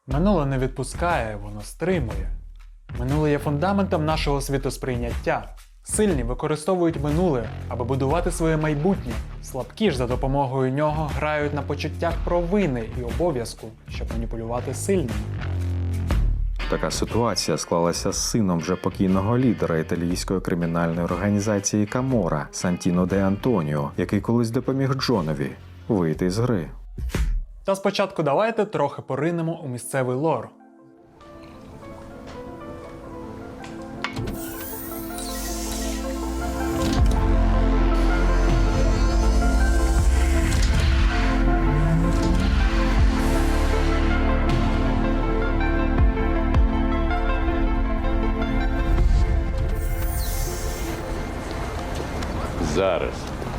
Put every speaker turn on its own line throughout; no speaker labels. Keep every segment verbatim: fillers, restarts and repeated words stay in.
Минуле не відпускає, воно стримує. Минуле є фундаментом нашого світосприйняття. Сильні використовують минуле, аби будувати своє майбутнє. Слабкі ж за допомогою нього грають на почуттях провини і обов'язку, щоб маніпулювати сильними.
Така ситуація склалася з сином вже покійного лідера італійської кримінальної організації Каморра Сантіно де Антоніо, який колись допоміг Джонові вийти з гри.
Та спочатку давайте трохи поринемо у місцевий лор.
Зараз.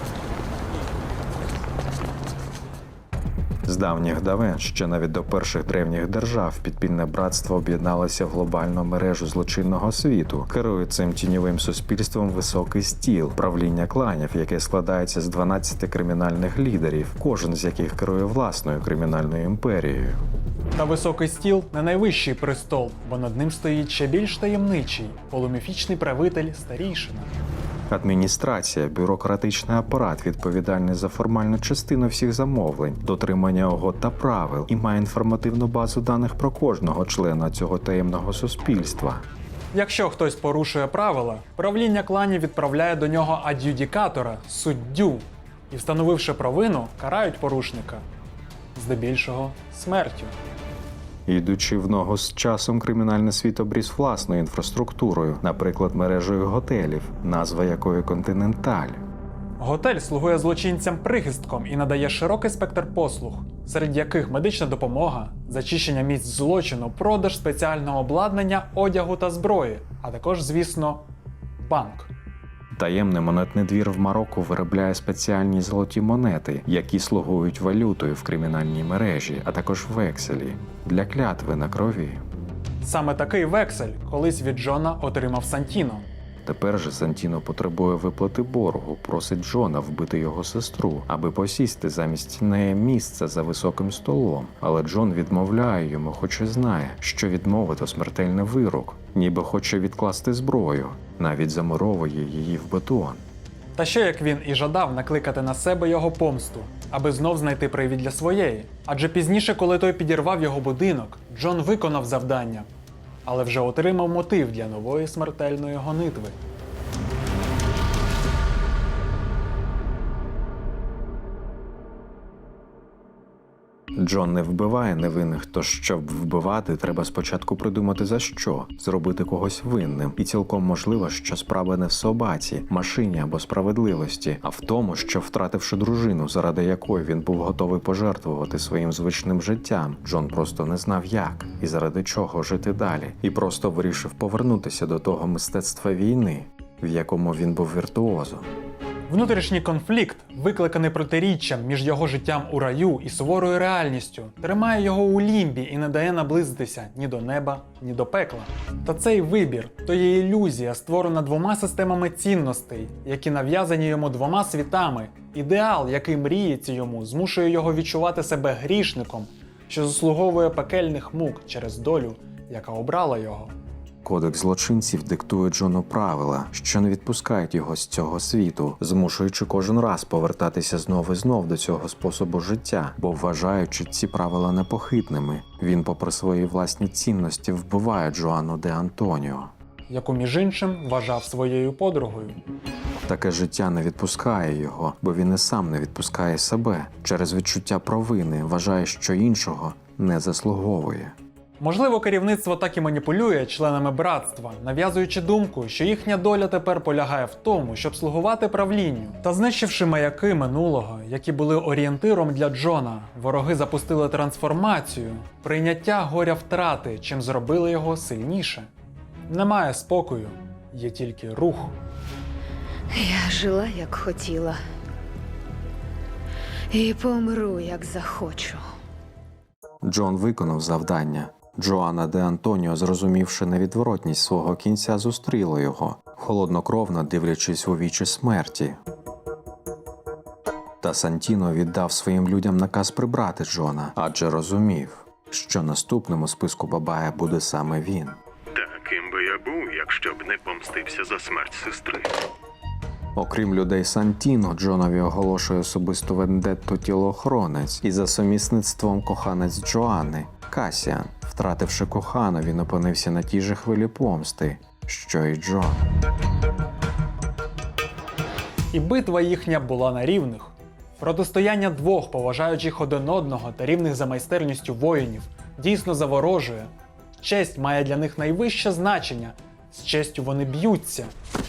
З давніх давен, ще навіть до перших древніх держав, підпільне братство об'єдналося в глобальну мережу злочинного світу. Керує цим тіньовим суспільством високий стіл, правління кланів, яке складається з дванадцяти кримінальних лідерів, кожен з яких керує власною кримінальною імперією.
Та високий стіл – не найвищий престол, бо над ним стоїть ще більш таємничий – полуміфічний правитель Старійшина.
Адміністрація, бюрократичний апарат відповідальний за формальну частину всіх замовлень, дотримання угод та правил і має інформативну базу даних про кожного члена цього таємного суспільства.
Якщо хтось порушує правила, правління кланів відправляє до нього ад'юдікатора – суддю. І, встановивши провину, карають порушника. Здебільшого – смертю.
Йдучи в ногу з часом, кримінальний світ обріс власною інфраструктурою, наприклад, мережею готелів, назва якої «Континенталь».
Готель слугує злочинцям прихистком і надає широкий спектр послуг, серед яких медична допомога, зачищення місць злочину, продаж спеціального обладнання, одягу та зброї, а також, звісно, банк.
Таємний монетний двір в Марокко виробляє спеціальні золоті монети, які слугують валютою в кримінальній мережі, а також векселі для клятви на крові.
Саме такий вексель колись від Джона отримав Сантіно.
Тепер же Сантіно потребує виплати боргу, просить Джона вбити його сестру, аби посісти замість неї місце за високим столом. Але Джон відмовляє йому, хоч і знає, що відмови – то смертельний вирок, ніби хоче відкласти зброю, навіть замуровує її в бетон.
Та що як він і жадав накликати на себе його помсту, аби знов знайти привід для своєї. Адже пізніше, коли той підірвав його будинок, Джон виконав завдання, але вже отримав мотив для нової смертельної гонитви.
Джон не вбиває невинних, тож щоб вбивати, треба спочатку придумати за що, зробити когось винним. І цілком можливо, що справа не в собаці, машині або справедливості, а в тому, що втративши дружину, заради якої він був готовий пожертвувати своїм звичним життям, Джон просто не знав як і заради чого жити далі. І просто вирішив повернутися до того мистецтва війни, в якому він був віртуозом.
Внутрішній конфлікт, викликаний протиріччям між його життям у раю і суворою реальністю, тримає його у лімбі і не дає наблизитися ні до неба, ні до пекла. Та цей вибір – то є ілюзія, створена двома системами цінностей, які нав'язані йому двома світами. Ідеал, який мріється йому, змушує його відчувати себе грішником, що заслуговує пекельних мук через долю, яка обрала його.
Кодекс злочинців диктує Джону правила, що не відпускають його з цього світу, змушуючи кожен раз повертатися знов і знов до цього способу життя, бо вважаючи ці правила непохитними, він попри свої власні цінності вбиває Джоанну де Антоніо,
яку між іншим вважав своєю подругою.
Таке життя не відпускає його, бо він і сам не відпускає себе. Через відчуття провини вважає, що іншого не заслуговує.
Можливо, керівництво так і маніпулює членами братства, нав'язуючи думку, що їхня доля тепер полягає в тому, щоб слугувати правлінню. Та знищивши маяки минулого, які були орієнтиром для Джона, вороги запустили трансформацію, прийняття горя втрати, чим зробили його сильніше. Немає спокою, є тільки рух.
Я жила, як хотіла. І помру, як захочу.
Джон виконав завдання. Джоанна де Антоніо, зрозумівши невідворотність свого кінця, зустріла його, холоднокровно дивлячись у вічі смерті. Та Сантіно віддав своїм людям наказ прибрати Джона, адже розумів, що наступним у списку Бабая буде саме він.
Так, ким би я був, якщо б не помстився за смерть сестри.
Окрім людей Сантіно, Джонові оголошує особисту вендетту тілоохоронець і за сумісництвом коханець Джоанни – Касіан. Втративши кохану, він опинився на тій же хвилі помсти, що й Джон.
І битва їхня була на рівних. Протистояння двох поважаючих один одного та рівних за майстерністю воїнів дійсно заворожує. Честь має для них найвище значення. З честю вони б'ються.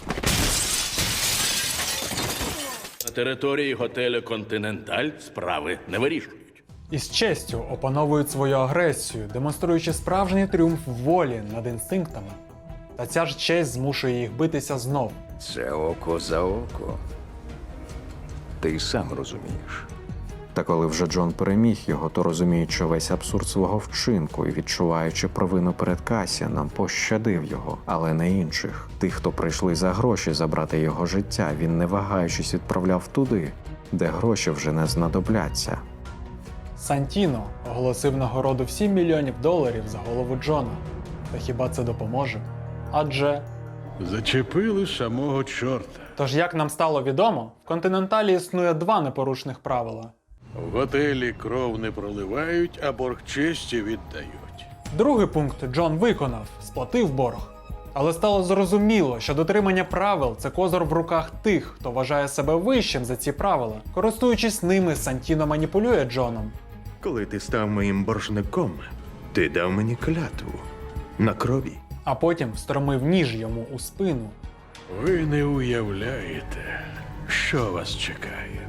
На території готелю «Континенталь» справи не вирішують.
І з честю опановують свою агресію, демонструючи справжній тріумф волі над інстинктами. Та ця ж честь змушує їх битися знов.
Це око за око. Ти сам розумієш.
Та коли вже Джон переміг його, то розуміючи весь абсурд свого вчинку і відчуваючи провину перед Касіаном, пощадив його, але не інших. Тих, хто прийшли за гроші забрати його життя, він не вагаючись відправляв туди, де гроші вже не знадобляться.
Сантіно оголосив нагороду в сім мільйонів доларів за голову Джона. Та хіба це допоможе? Адже...
Зачепили самого чорта.
Тож, як нам стало відомо, в «Континенталі» існує два непорушних правила.
В готелі кров не проливають, а борг честі віддають.
Другий пункт Джон виконав – сплатив борг. Але стало зрозуміло, що дотримання правил – це козир в руках тих, хто вважає себе вищим за ці правила. Користуючись ними, Сантіно маніпулює Джоном.
Коли ти став моїм боржником, ти дав мені клятву на крові.
А потім встромив ніж йому у спину.
Ви не уявляєте, що вас чекає.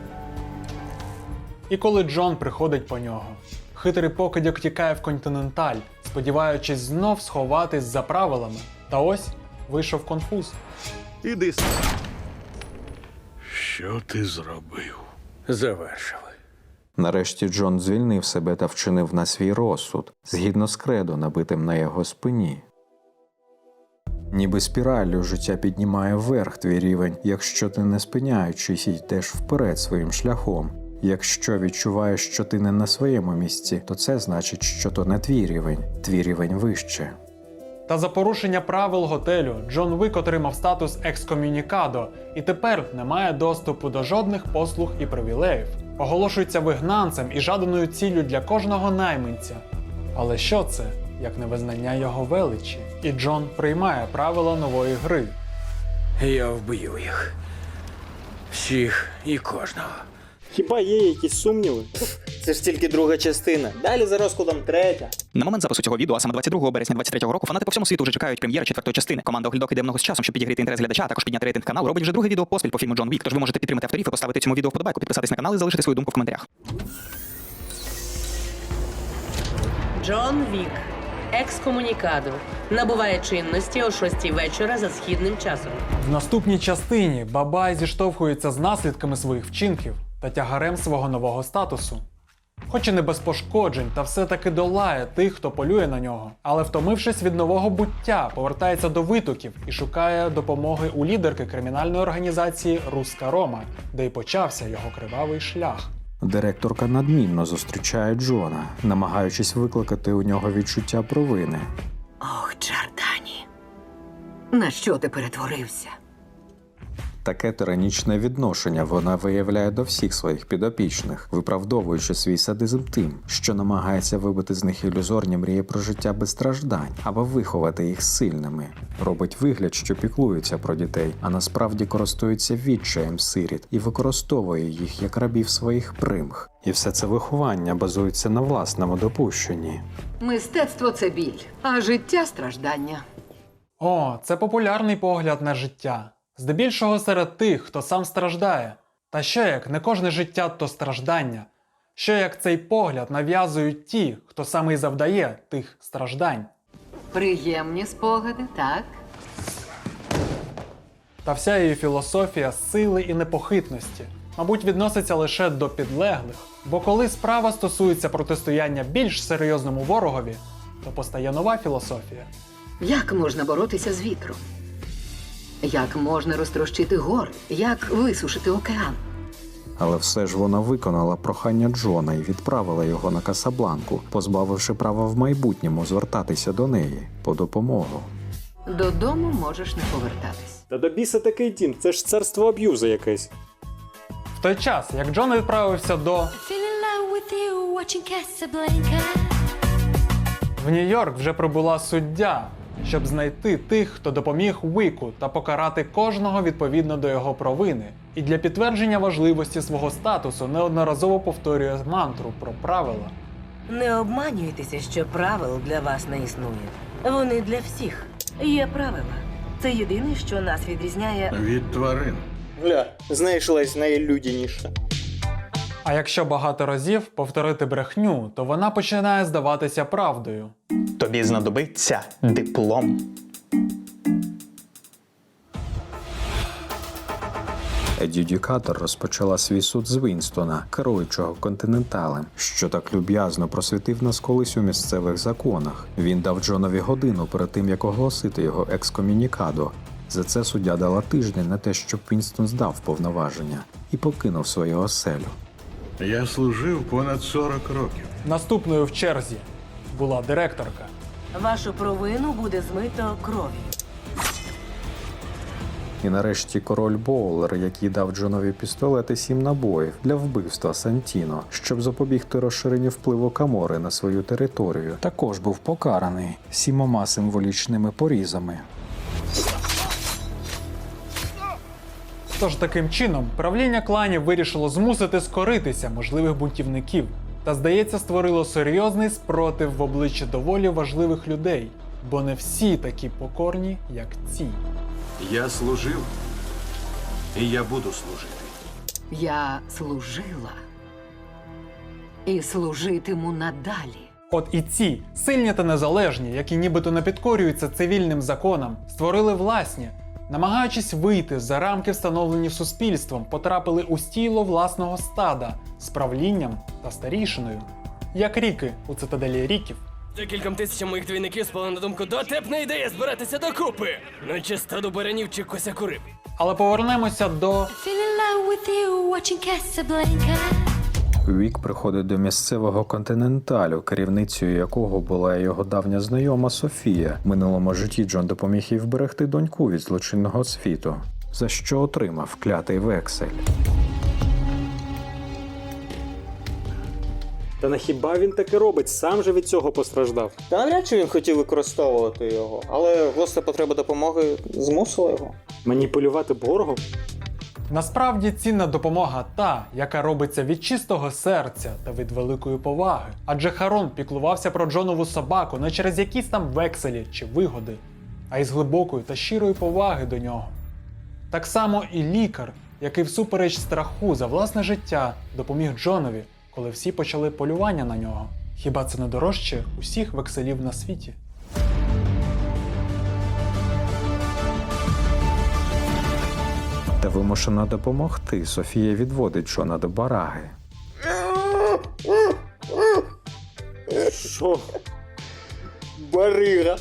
І коли Джон приходить по нього, хитрий покидьок тікає в «Континенталь», сподіваючись знов сховатись за правилами. Та ось вийшов конфуз.
Іди сюди.
Що ти зробив?
Завершили.
Нарешті Джон звільнив себе та вчинив на свій розсуд, згідно з кредо, набитим на його спині. Ніби спіраллю життя піднімає вверх твій рівень, якщо ти не спиняючись йдеш вперед своїм шляхом. Якщо відчуваєш, що ти не на своєму місці, то це значить, що то не твій рівень, твій рівень вище.
Та за порушення правил готелю Джон Вік отримав статус екскомунікадо і тепер не має доступу до жодних послуг і привілеїв. Оголошується вигнанцем і жаданою ціллю для кожного найманця. Але що це, як не визнання його величі? І Джон приймає правила нової гри.
Я вб'ю їх. Всіх і кожного.
Хіба є якісь сумніви? Це ж тільки друга частина. Далі за розкладом третя.
На момент запису цього відео, а саме двадцять другого березня двадцять третього року, фанати по всьому світу вже чекають прем'єри четвертої частини. Команда Оглядок іде много з часом, щоб підігріти інтерес глядача, а також підняти рейтинг каналу. Робить вже друге відео поспіль по фільму Джон Вік, тож ви можете підтримати авторів і поставити цьому відео вподобайку, підписатись на канал і залишити свою думку в коментарях.
Джон Вік. Екскомунікадо. Набуває чинності о шостій вечора за східним часом.
В наступній частині Бабай зіштовхується з наслідками своїх вчинків та тягарем свого нового статусу. Хоч і не без пошкоджень, та все-таки долає тих, хто полює на нього. Але втомившись від нового буття, повертається до витоків і шукає допомоги у лідерки кримінальної організації «Руська Рома», де й почався його кривавий шлях.
Директорка надмінно зустрічає Джона, намагаючись викликати у нього відчуття провини.
Ох, Джордані, на що ти перетворився?
Таке тиранічне відношення вона виявляє до всіх своїх підопічних, виправдовуючи свій садизм тим, що намагається вибити з них ілюзорні мрії про життя без страждань, або виховати їх сильними. Робить вигляд, що піклується про дітей, а насправді користується відчаєм сиріт і використовує їх як рабів своїх примх. І все це виховання базується на власному допущенні.
Мистецтво – це біль, а життя – страждання.
О, це популярний погляд на життя. Здебільшого серед тих, хто сам страждає. Та що як не кожне життя – то страждання? Що як цей погляд нав'язують ті, хто саме й завдає тих страждань?
Приємні спогади, так?
Та вся її філософія сили і непохитності, мабуть, відноситься лише до підлеглих. Бо коли справа стосується протистояння більш серйозному ворогові, то постає нова філософія.
Як можна боротися з вітром? Як можна розтрощити гори? Як висушити океан?
Але все ж вона виконала прохання Джона і відправила його на Касабланку, позбавивши права в майбутньому звертатися до неї по допомогу.
Додому можеш не повертатись.
Та до біса такий дім, це ж царство аб'юзу якесь.
В той час, як Джон відправився до в Нью-Йорк, вже прибула суддя, щоб знайти тих, хто допоміг Уіку, та покарати кожного відповідно до його провини. І для підтвердження важливості свого статусу неодноразово повторює мантру про правила.
Не обманюйтеся, що правил для вас не існує. Вони для всіх. Є правила. Це єдине, що нас відрізняє
Від тварин.
Гля, знайшлась найлюдяніша.
А якщо багато разів повторити брехню, то вона починає здаватися правдою.
Тобі знадобиться диплом.
Ад'юдікатор розпочала свій суд з Вінстона, керуючого континенталем, що так люб'язно просвітив нас колись у місцевих законах. Він дав Джонові годину перед тим, як оголосити його екскомунікадо. За це суддя дала тиждень на те, щоб Вінстон здав повноваження і покинув свою оселю.
Я служив понад сорок років.
Наступною в черзі була директорка.
вашу провину буде змито кров'ю.
І нарешті король Боулер, який дав Джонові пістолет і сім набоїв для вбивства Сантіно, щоб запобігти розширенню впливу Камори на свою територію, також був покараний сімома символічними порізами.
Тож таким чином правління кланів вирішило змусити скоритися можливих бунтівників та, здається, створило серйозний спротив в обличчі доволі важливих людей, бо не всі такі покорні, як ці.
Я служив, і я буду служити.
Я служила і служитиму надалі.
От і ці, сильні та незалежні, які нібито не підкорюються цивільним законам, створили власні, намагаючись вийти за рамки, встановлені суспільством, потрапили у стіло власного стада з правлінням та старішиною. Як ріки у цитаделі ріків.
Декільком тисячам моїх двійників спала на думку дотепна ідея збиратися докупи, наче стаду баранів чи косяку риб.
Але повернемося до
Вік приходить до місцевого континенталю, керівницею якого була його давня знайома Софія. В минулому житті Джон допоміг їй вберегти доньку від злочинного світу, за що отримав клятий вексель.
Та на хіба він таке робить? Сам же від цього постраждав. Та навряд чи він хотів використовувати його, але гостра потреба допомоги змусила його. Маніпулювати боргом?
Насправді цінна допомога та, яка робиться від чистого серця та від великої поваги. Адже Харон піклувався про Джонову собаку не через якісь там векселі чи вигоди, а із глибокої та щирої поваги до нього. Так само і лікар, який всупереч страху за власне життя допоміг Джонові, коли всі почали полювання на нього. Хіба це не дорожче усіх векселів на світі?
Та вимушена допомогти, Софія відводить Джона до бараги.
Що? Барига.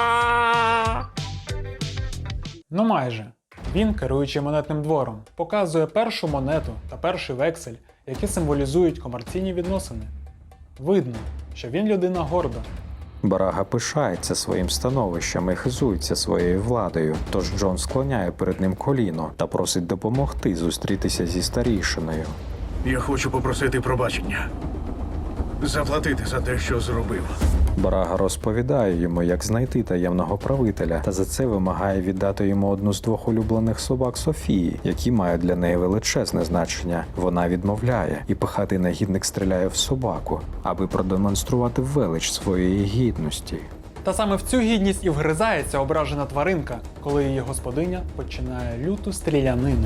Ну майже. Він, керуючи монетним двором, показує першу монету та перший вексель, які символізують комерційні відносини. Видно, що він людина горда.
Барага пишається своїм становищем і хизується своєю владою, тож Джон склоняє перед ним коліно та просить допомогти зустрітися зі старішиною.
Я хочу попросити пробачення. Заплатити за те, що зробив.
Барага розповідає йому, як знайти таємного правителя, та за це вимагає віддати йому одну з двох улюблених собак Софії, які мають для неї величезне значення. Вона відмовляє, і пихатий негідник стріляє в собаку, аби продемонструвати велич своєї гідності.
Та саме в цю гідність і вгризається ображена тваринка, коли її господиня починає люту стрілянину.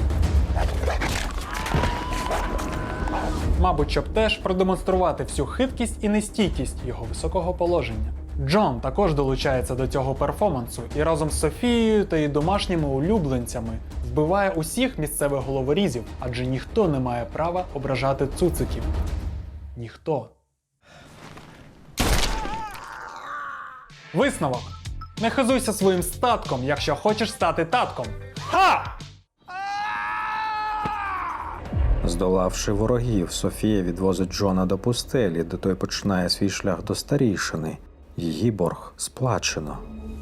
Мабуть, щоб теж продемонструвати всю хиткість і нестійкість його високого положення. Джон також долучається до цього перформансу і разом з Софією та її домашніми улюбленцями вбиває усіх місцевих головорізів, адже ніхто не має права ображати цуциків. Ніхто. Висновок. Не хизуйся своїм статком, якщо хочеш стати татком. Ха!
Здолавши ворогів, Софія відвозить Джона до пустелі, де той починає свій шлях до старійшини. Її борг сплачено.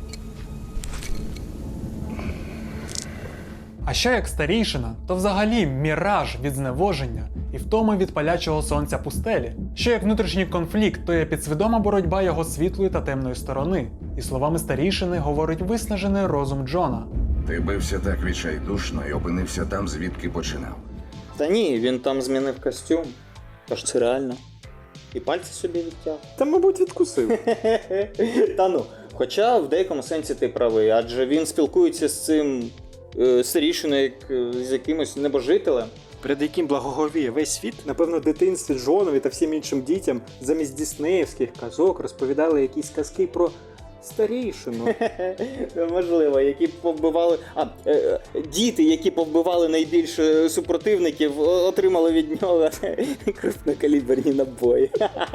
А що як старійшина, то взагалі міраж від зневоження і втоми від палячого сонця пустелі. Що як внутрішній конфлікт, то є підсвідома боротьба його світлої та темної сторони. І словами старійшини говорить виснажений розум Джона.
Ти бився так відчайдушно і опинився там, звідки починав.
Та ні, він там змінив костюм. Тож це реально. І пальці собі відтяг. Та, мабуть, відкусив. Та ну. Хоча в деякому сенсі ти правий, адже він спілкується з цим е, старішиною, як е, з якимось небожителем. Перед яким благоговіє весь світ, напевно, в дитинстві Джонові та всім іншим дітям замість діснеївських казок розповідали якісь казки про старішину. Можливо, які повбивали. А, е, діти, які повбивали найбільше супротивників, отримали від нього крупнокаліберні набої.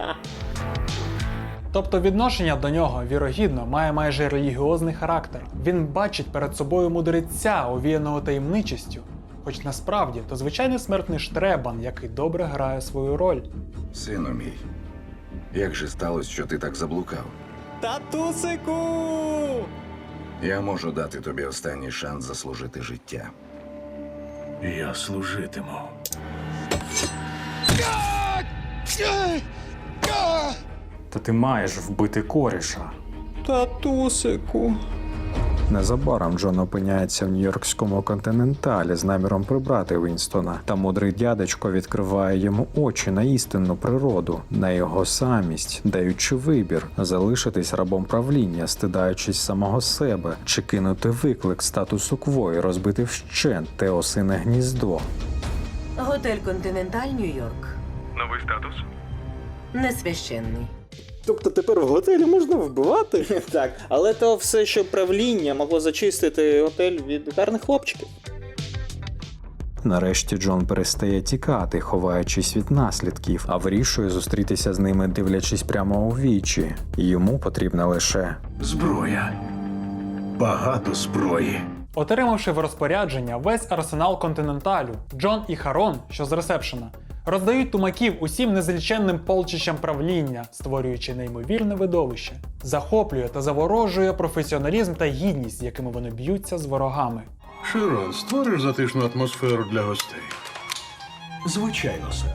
Тобто відношення до нього, вірогідно, має майже релігіозний характер. Він бачить перед собою мудреця, овіяного таємничістю. Хоч насправді то звичайний смертний штребан, який добре грає свою роль.
Сину мій, як же сталося, що ти так заблукав?
Татусику!
Я можу дати тобі останній шанс заслужити життя.
Я служитиму.
Та ти маєш вбити коріша.
Татусику.
Незабаром Джон опиняється в нью-йоркському континенталі з наміром прибрати Вінстона, та мудрий дядечко відкриває йому очі на істинну природу, на його самість, даючи вибір – залишитись рабом правління, стидаючись самого себе, чи кинути виклик статусу кво і розбити вщент те осине гніздо.
Готель Континенталь, Нью-Йорк.
Новий статус?
Несвященний.
Тобто тепер в готелі можна вбивати? Так, але то все, що правління могло зачистити готель від гарних хлопчиків.
Нарешті Джон перестає тікати, ховаючись від наслідків, а вирішує зустрітися з ними, дивлячись прямо у вічі. Йому потрібна лише
Зброя. Багато зброї.
Отримавши в розпорядження весь арсенал Континенталю, Джон і Харон, що з ресепшена, роздають тумаків усім незліченним полчищам правління, створюючи неймовірне видовище. Захоплює та заворожує професіоналізм та гідність, з якими вони б'ються з ворогами.
Широн, створиш затишну атмосферу для гостей? Звичайно, сер.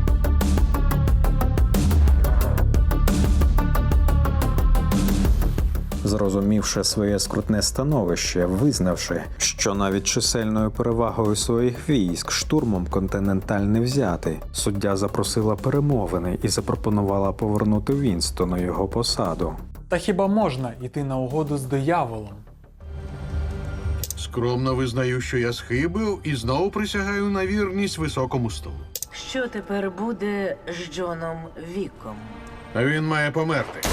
Зрозумівши своє скрутне становище, визнавши, що навіть чисельною перевагою своїх військ штурмом Континенталь не взяти, суддя запросила перемовини і запропонувала повернути Вінстону його посаду.
Та хіба можна йти на угоду з дияволом?
Скромно визнаю, що я схибив і знову присягаю на вірність високому столу.
Що тепер буде з Джоном Віком?
А він має померти.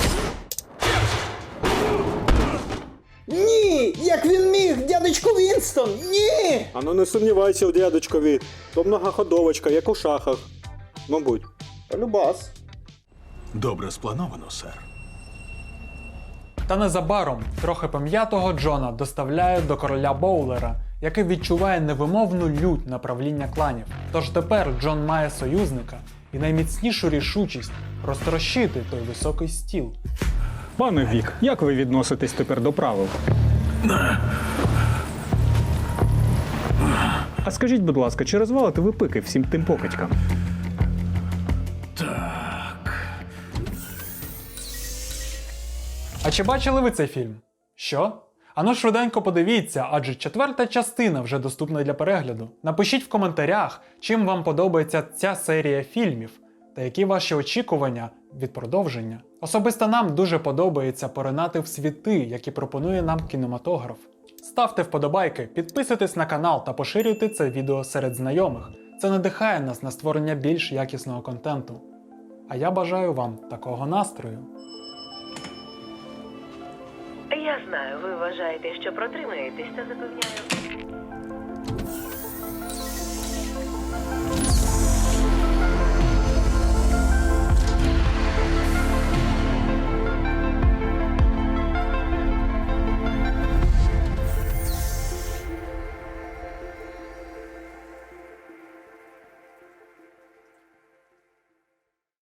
Ні! Як він міг, дядечко Вінстон? Ні! А ну не сумнівайся у дядечкові. То многоходовочка, як у шахах. Мабуть. Любас.
Добре сплановано, сер.
Та незабаром трохи пом'ятого Джона доставляють до короля Боулера, який відчуває невимовну лють на правління кланів. Тож тепер Джон має союзника і найміцнішу рішучість розтрощити той високий стіл.
Пане Вік, як ви відноситесь тепер до правил? А скажіть, будь ласка, чи розвалите ви пики всім тим покидькам?
А чи бачили ви цей фільм? Що? Ану швиденько подивіться, адже четверта частина вже доступна для перегляду. Напишіть в коментарях, чим вам подобається ця серія фільмів, та які ваші очікування від продовження. Особисто нам дуже подобається поринати в світи, які пропонує нам кінематограф. Ставте вподобайки, підписуйтесь на канал та поширюйте це відео серед знайомих. Це надихає нас на створення більш якісного контенту. А я бажаю вам такого настрою.
Я знаю, ви вважаєте, що протримаєтесь, та запевняю.